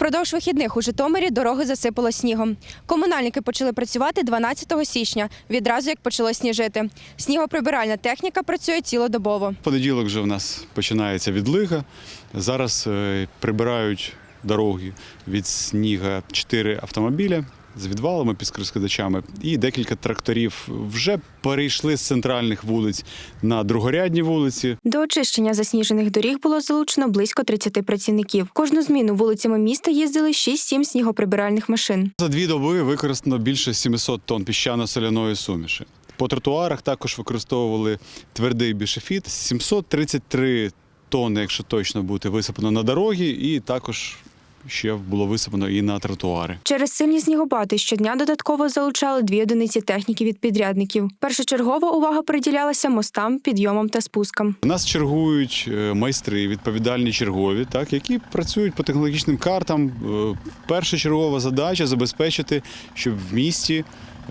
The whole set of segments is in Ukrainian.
Впродовж вихідних у Житомирі дороги засипало снігом. Комунальники почали працювати 12 січня, відразу як почало сніжити. Снігоприбиральна техніка працює цілодобово. В понеділок вже в нас починається відлига. Зараз прибирають дороги від снігу 4 автомобіля з відвалами, підскидачами, і декілька тракторів вже перейшли з центральних вулиць на другорядні вулиці. До очищення засніжених доріг було залучено близько 30 працівників. Кожну зміну вулицями міста їздили 6-7 снігоприбиральних машин. За 2 доби використано більше 700 тонн піщано-соляної суміші. По тротуарах також використовували твердий бішофіт. 733 тонни, якщо точно бути, висипано на дороги, і також ще було висипано і на тротуари. Через сильні снігопади щодня додатково залучали 2 одиниці техніки від підрядників. Першочергова увага приділялася мостам, підйомам та спускам. У нас чергують майстри, відповідальні чергові, які працюють по технологічним картам. Першочергова задача – забезпечити, щоб в місті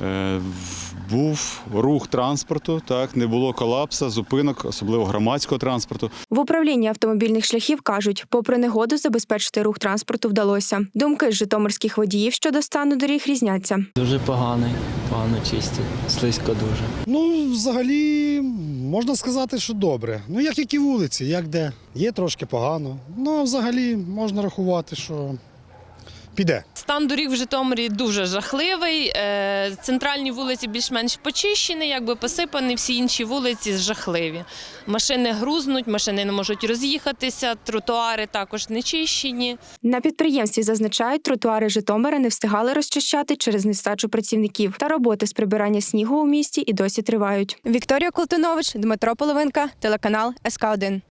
був рух транспорту, не було колапсу, зупинок, особливо громадського транспорту. В управлінні автомобільних шляхів кажуть, попри негоду забезпечити рух транспорту вдалося. Думки житомирських водіїв щодо стану доріг різняться. Дуже поганий, погано чистить, слизько дуже. Взагалі, можна сказати, що добре. Як і вулиці, як де. Є трошки погано. А взагалі можна рахувати, що піде. Стан доріг в Житомирі дуже жахливий. Центральні вулиці більш-менш почищені, посипані, всі інші вулиці жахливі. Машини грузнуть, машини не можуть роз'їхатися, тротуари також не чищені. На підприємстві зазначають, тротуари Житомира не встигали розчищати через нестачу працівників. Та роботи з прибирання снігу у місті і досі тривають. Вікторія Колтунович, Дмитро Половинка, телеканал СК1.